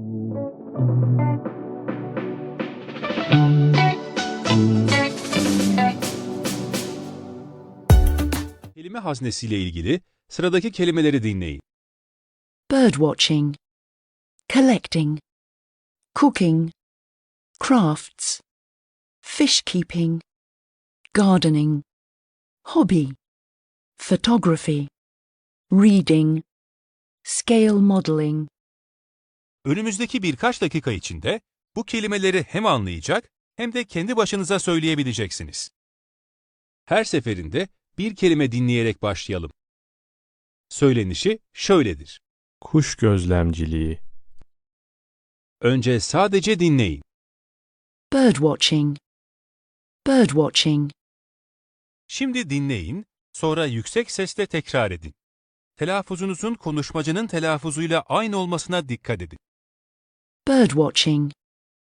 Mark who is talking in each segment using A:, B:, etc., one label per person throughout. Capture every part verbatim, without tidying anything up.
A: Kelime haznesiyle ilgili sıradaki kelimeleri dinleyin.
B: Birdwatching, collecting, cooking, crafts, fish keeping, gardening, hobby, photography, reading, scale modeling.
A: Önümüzdeki birkaç dakika içinde bu kelimeleri hem anlayacak hem de kendi başınıza söyleyebileceksiniz. Her seferinde bir kelime dinleyerek başlayalım. Söylenişi şöyledir.
C: Kuş gözlemciliği,
A: Önce sadece dinleyin.
B: Birdwatching, birdwatching,
A: Şimdi dinleyin, sonra yüksek sesle tekrar edin. Telaffuzunuzun konuşmacının telaffuzuyla aynı olmasına dikkat edin.
B: birdwatching,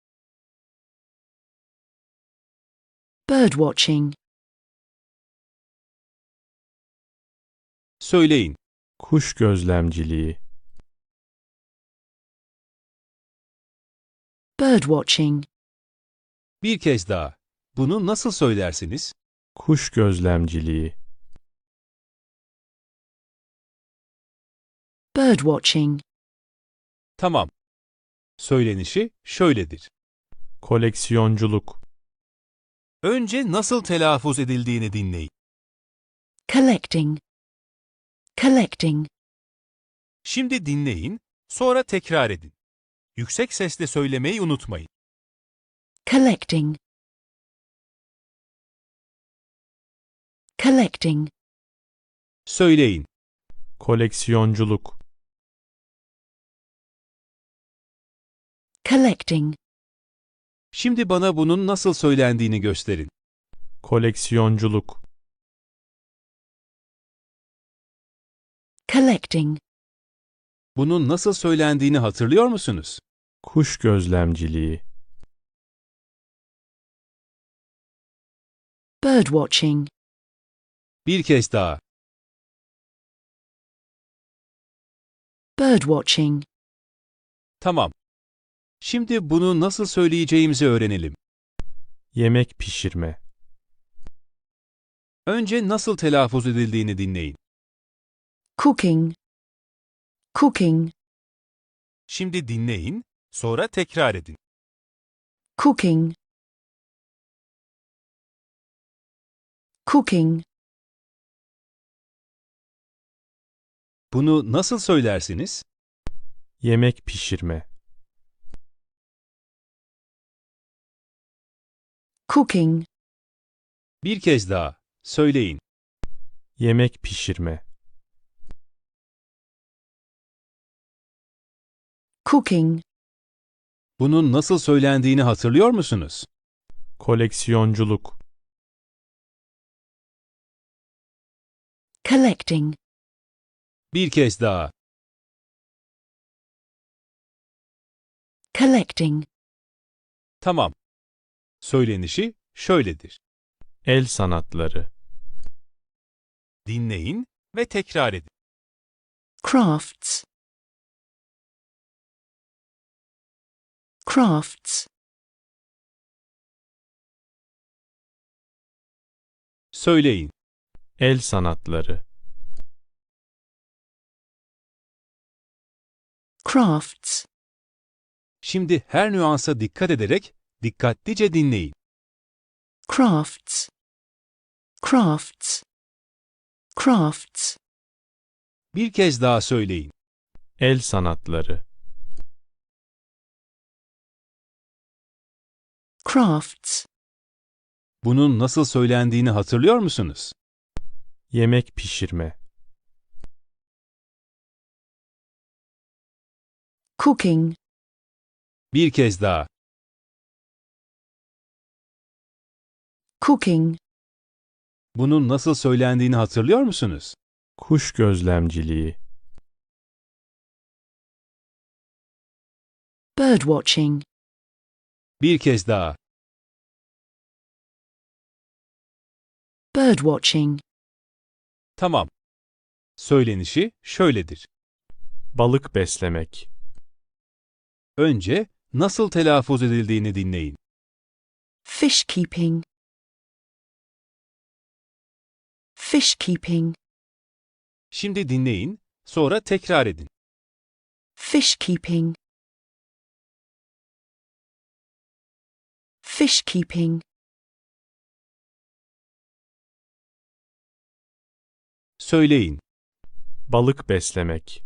B: birdwatching,
A: Söyleyin.
C: kuş gözlemciliği,
B: birdwatching,
A: Bir kez daha. Bunu nasıl söylersiniz?
C: kuş gözlemciliği,
B: birdwatching,
A: Tamam. Söylenişi şöyledir.
C: koleksiyonculuk,
A: Önce nasıl telaffuz edildiğini dinleyin.
B: collecting, collecting,
A: Şimdi dinleyin, sonra tekrar edin. Yüksek sesle söylemeyi unutmayın.
B: collecting, collecting,
A: Söyleyin.
C: koleksiyonculuk,
B: collecting,
A: Şimdi bana bunun nasıl söylendiğini gösterin.
C: koleksiyonculuk,
B: collecting,
A: Bunun nasıl söylendiğini hatırlıyor musunuz?
C: kuş gözlemciliği,
B: birdwatching,
A: Bir kez daha.
B: birdwatching,
A: Tamam. Şimdi bunu nasıl söyleyeceğimizi öğrenelim.
C: yemek pişirme,
A: Önce nasıl telaffuz edildiğini dinleyin.
B: cooking, cooking,
A: Şimdi dinleyin, sonra tekrar edin.
B: cooking, cooking,
A: Bunu nasıl söylersiniz?
C: yemek pişirme,
B: cooking,
A: Bir kez daha. Söyleyin.
C: yemek pişirme,
B: cooking,
A: Bunun nasıl söylendiğini hatırlıyor musunuz?
C: koleksiyonculuk,
B: collecting,
A: Bir kez daha.
B: collecting,
A: Tamam. Söylenişi şöyledir.
C: el sanatları,
A: Dinleyin ve tekrar edin.
B: crafts, crafts,
A: Söyleyin.
C: el sanatları,
B: crafts,
A: Şimdi her nüansa dikkat ederek dikkatlice dinleyin.
B: crafts, crafts, crafts,
A: Bir kez daha söyleyin.
C: el sanatları,
B: crafts,
A: Bunun nasıl söylendiğini hatırlıyor musunuz?
C: yemek pişirme,
B: cooking,
A: Bir kez daha.
B: cooking,
A: Bunun nasıl söylendiğini hatırlıyor musunuz?
C: kuş gözlemciliği,
B: birdwatching,
A: Bir kez daha.
B: birdwatching,
A: Tamam. Söylenişi şöyledir.
C: balık beslemek,
A: Önce nasıl telaffuz edildiğini dinleyin.
B: Fish keeping. Fish keeping.
A: Şimdi dinleyin, sonra tekrar edin.
B: Fish keeping. Fish keeping.
A: Söyleyin.
C: Balık beslemek.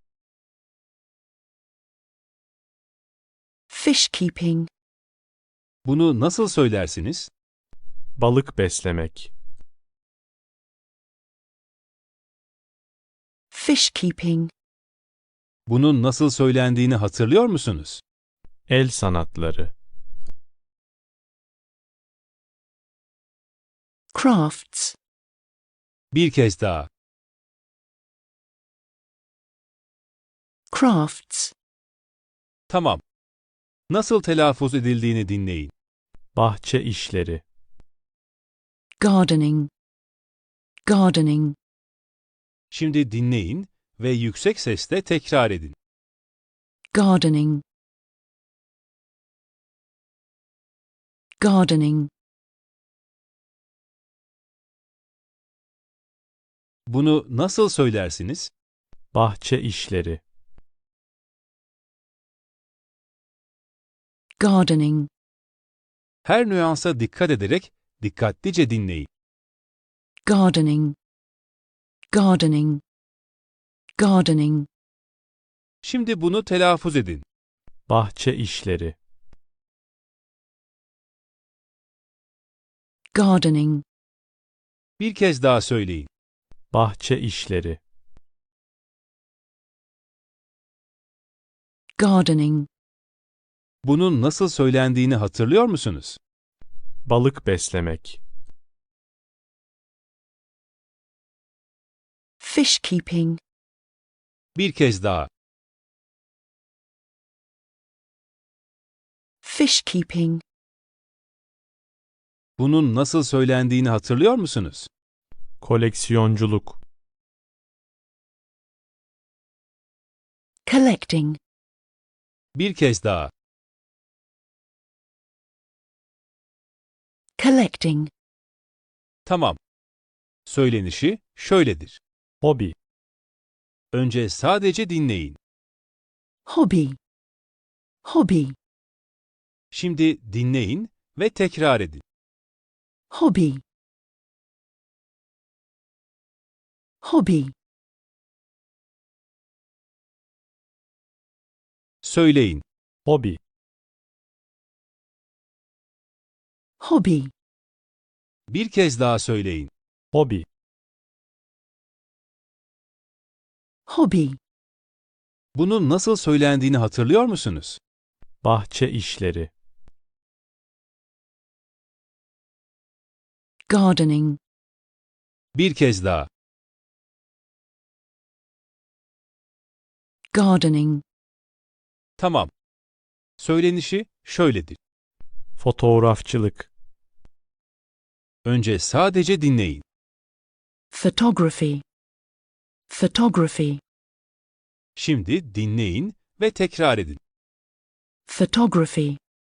B: Fish keeping.
A: Bunu nasıl söylersiniz?
C: Balık beslemek.
B: Fish keeping.
A: Bunun nasıl söylendiğini hatırlıyor musunuz?
C: El sanatları.
B: Crafts.
A: Bir kez daha.
B: Crafts.
A: Tamam. Nasıl telaffuz edildiğini dinleyin.
C: Bahçe işleri.
B: Gardening. Gardening.
A: Şimdi dinleyin ve yüksek sesle tekrar edin.
B: Gardening. Gardening.
A: Bunu nasıl söylersiniz?
C: Bahçe işleri.
B: Gardening.
A: Her nüansa dikkat ederek dikkatlice dinleyin.
B: Gardening. Gardening. Gardening.
A: Şimdi bunu telaffuz edin.
C: Bahçe işleri.
B: Gardening.
A: Bir kez daha söyleyin.
C: Bahçe işleri.
B: Gardening.
A: Bunun nasıl söylendiğini hatırlıyor musunuz?
C: Balık beslemek.
B: Fish keeping.
A: Bir kez daha.
B: Fish keeping.
A: Bunun nasıl söylendiğini hatırlıyor musunuz?
C: Koleksiyonculuk.
B: Collecting.
A: Bir kez daha.
B: Collecting.
A: Tamam. Söylenişi şöyledir.
C: Hobi.
A: Önce sadece dinleyin.
B: Hobby. Hobby.
A: Şimdi dinleyin ve tekrar edin.
B: Hobby. Hobby.
A: Söyleyin.
C: Hobi.
B: Hobby.
A: Bir kez daha söyleyin.
C: Hobi.
B: Hobby.
A: Bunun nasıl söylendiğini hatırlıyor musunuz?
C: Bahçe işleri.
B: Gardening.
A: Bir kez daha.
B: Gardening.
A: Tamam. Söylenişi şöyledir.
C: Fotoğrafçılık.
A: Önce sadece dinleyin.
B: Photography. Photography.
A: Şimdi dinleyin ve tekrar edin.
B: Photography.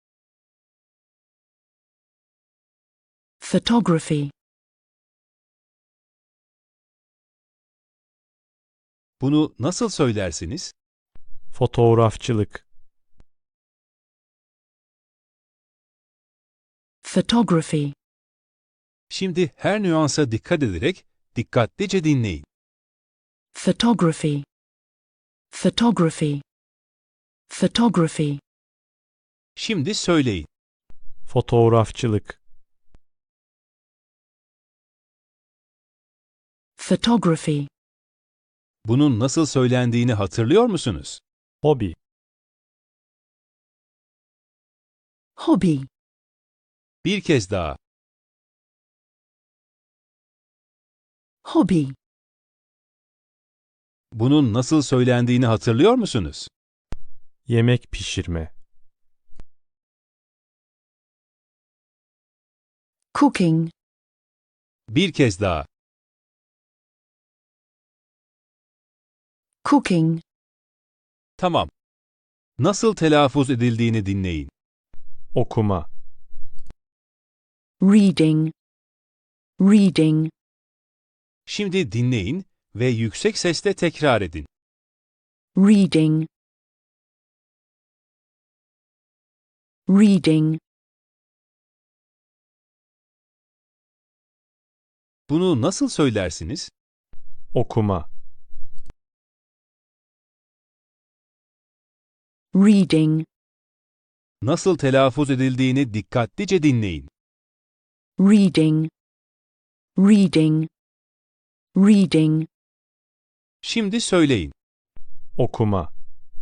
B: Photography.
A: Bunu nasıl söylersiniz?
C: Fotoğrafçılık.
B: Photography.
A: Şimdi her nüansa dikkat ederek dikkatlice dinleyin.
B: Photography. Photography. Photography.
A: Şimdi söyleyin.
C: Fotoğrafçılık.
B: Photography.
A: Bunun nasıl söylendiğini hatırlıyor musunuz?
C: Hobi.
B: Hobby.
A: Bir kez daha.
B: Hobby.
A: Bunun nasıl söylendiğini hatırlıyor musunuz?
C: Yemek pişirme.
B: Cooking.
A: Bir kez daha.
B: Cooking.
A: Tamam. Nasıl telaffuz edildiğini dinleyin.
C: Okuma.
B: reading, reading,
A: Şimdi dinleyin ve yüksek sesle tekrar edin.
B: reading, reading,
A: Bunu nasıl söylersiniz?
C: Okuma.
B: reading,
A: Nasıl telaffuz edildiğini dikkatlice dinleyin.
B: reading, reading, reading,
A: Şimdi söyleyin.
C: Okuma.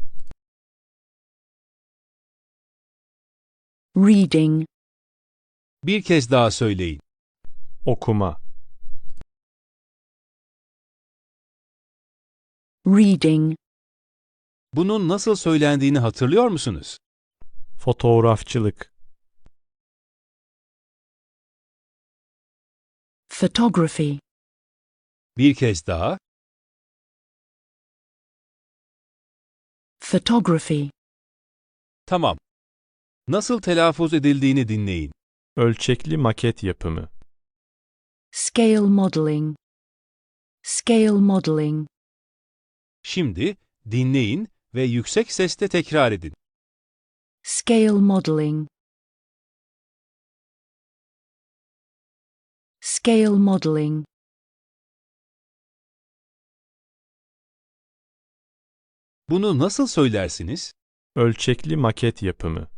B: reading,
A: Bir kez daha söyleyin.
C: Okuma.
B: reading,
A: Bunun nasıl söylendiğini hatırlıyor musunuz?
C: Fotoğrafçılık.
B: photography,
A: Bir kez daha.
B: photography,
A: Tamam. Nasıl telaffuz edildiğini dinleyin.
C: Ölçekli maket yapımı.
B: scale modeling, scale modeling,
A: Şimdi dinleyin ve yüksek sesle tekrar edin.
B: scale modeling, scale modeling,
A: Bunu nasıl söylersiniz?
C: Ölçekli maket yapımı.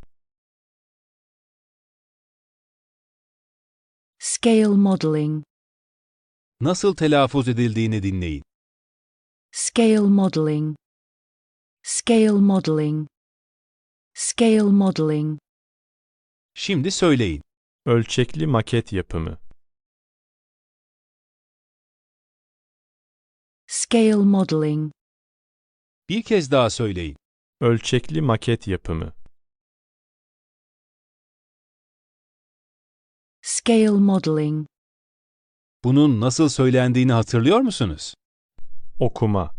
B: scale modeling,
A: Nasıl telaffuz edildiğini dinleyin.
B: scale modeling, scale modeling, scale modeling,
A: Şimdi söyleyin.
C: Ölçekli maket yapımı.
B: scale modeling,
A: Bir kez daha söyleyin.
C: Ölçekli maket yapımı.
B: scale modeling,
A: Bunun nasıl söylendiğini hatırlıyor musunuz?
C: Okuma.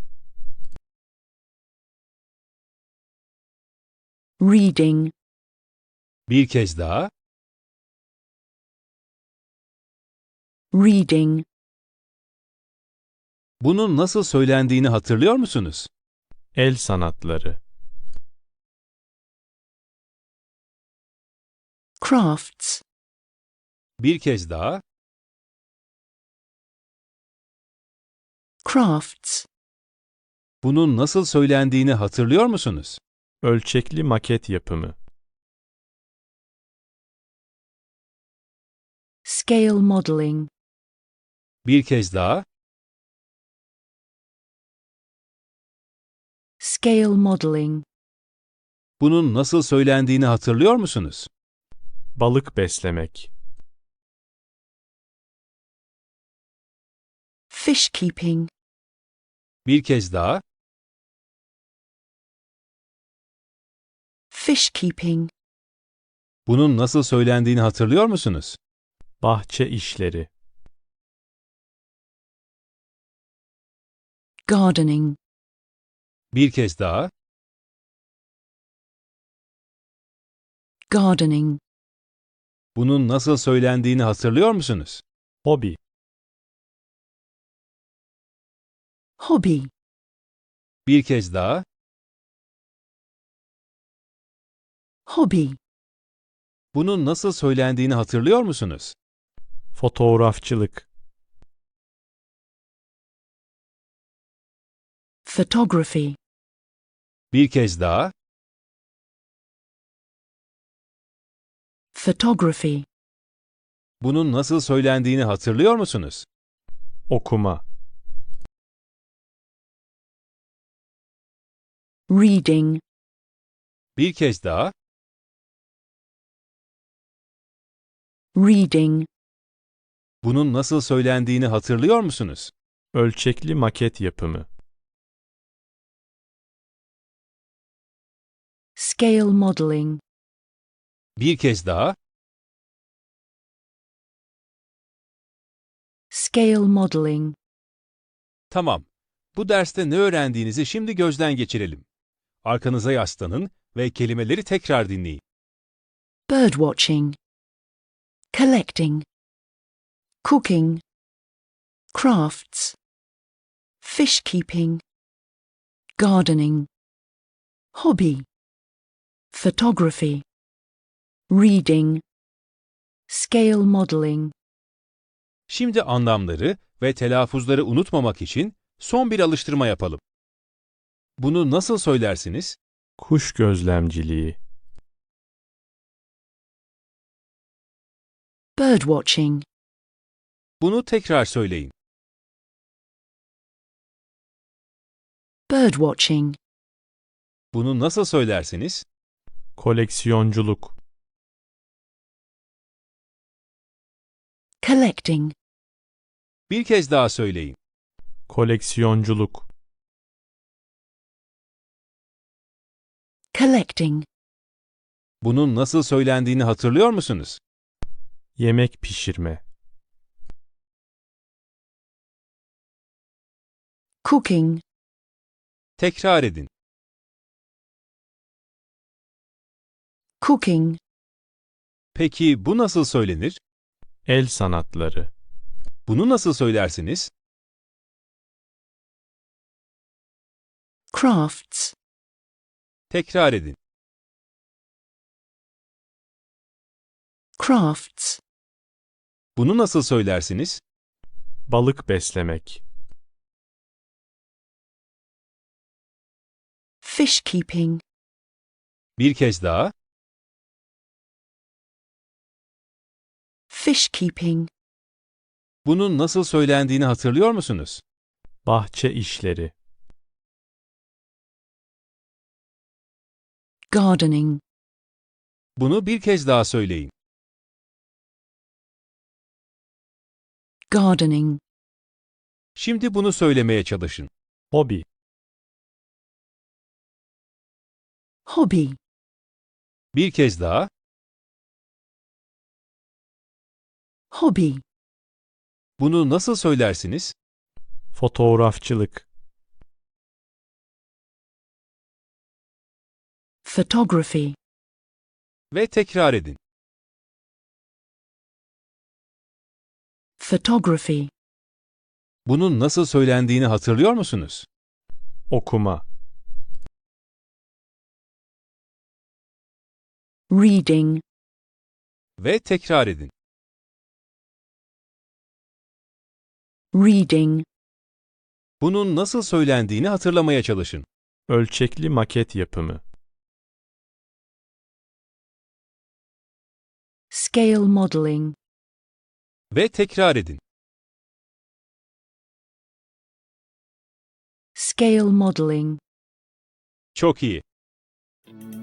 B: reading,
A: Bir kez daha.
B: reading,
A: Bunun nasıl söylendiğini hatırlıyor musunuz?
C: El sanatları.
B: crafts,
A: Bir kez daha.
B: crafts,
A: Bunun nasıl söylendiğini hatırlıyor musunuz?
C: Ölçekli maket yapımı.
B: scale modeling,
A: Bir kez daha.
B: scale modeling,
A: Bunun nasıl söylendiğini hatırlıyor musunuz?
C: Balık beslemek.
B: fish keeping,
A: Bir kez daha.
B: fish keeping,
A: Bunun nasıl söylendiğini hatırlıyor musunuz?
C: Bahçe işleri.
B: gardening,
A: Bir kez daha.
B: gardening,
A: Bunun nasıl söylendiğini hatırlıyor musunuz?
C: Hobi.
B: hobby,
A: Bir kez daha.
B: hobby,
A: Bunun nasıl söylendiğini hatırlıyor musunuz?
C: Fotoğrafçılık.
B: photography,
A: Bir kez daha.
B: photography,
A: Bunun nasıl söylendiğini hatırlıyor musunuz?
C: Okuma.
B: reading,
A: Bir kez daha.
B: reading,
A: Bunun nasıl söylendiğini hatırlıyor musunuz?
C: Ölçekli maket yapımı.
B: scale modeling,
A: Bir kez daha.
B: scale modeling,
A: Tamam. Bu derste ne öğrendiğinizi şimdi gözden geçirelim. Arkanıza yaslanın ve kelimeleri tekrar dinleyin.
B: birdwatching, collecting, cooking, crafts, fish keeping, gardening, hobby, photography, reading, scale modeling.
A: Şimdi anlamları ve telaffuzları unutmamak için son bir alıştırma yapalım. Bunu nasıl söylersiniz?
C: Kuş gözlemciliği,
B: Birdwatching,
A: Bunu tekrar söyleyin.
B: birdwatching,
A: Bunu nasıl söylersiniz?
C: koleksiyonculuk,
B: collecting,
A: Bir kez daha söyleyin.
C: koleksiyonculuk,
B: collecting,
A: Bunun nasıl söylendiğini hatırlıyor musunuz?
C: yemek pişirme,
B: cooking,
A: Tekrar edin.
B: cooking,
A: Peki bu nasıl söylenir?
C: el sanatları,
A: Bunu nasıl söylersiniz?
B: crafts,
A: Tekrar edin.
B: crafts,
A: Bunu nasıl söylersiniz?
C: balık beslemek,
B: fish keeping,
A: Bir kez daha.
B: fish keeping,
A: Bunun nasıl söylendiğini hatırlıyor musunuz?
C: bahçe işleri,
B: gardening,
A: Bunu bir kez daha söyleyin.
B: gardening,
A: Şimdi bunu söylemeye çalışın.
C: hobi,
B: hobby,
A: Bir kez daha.
B: hobby,
A: Bunu nasıl söylersiniz?
C: fotoğrafçılık,
B: photography,
A: Ve tekrar edin.
B: photography,
A: Bunun nasıl söylendiğini hatırlıyor musunuz?
C: okuma,
B: reading,
A: Ve tekrar edin.
B: reading,
A: Bunun nasıl söylendiğini hatırlamaya çalışın.
C: ölçekli maket yapımı,
B: scale modeling,
A: Ve tekrar edin.
B: scale modeling.
A: Çok iyi.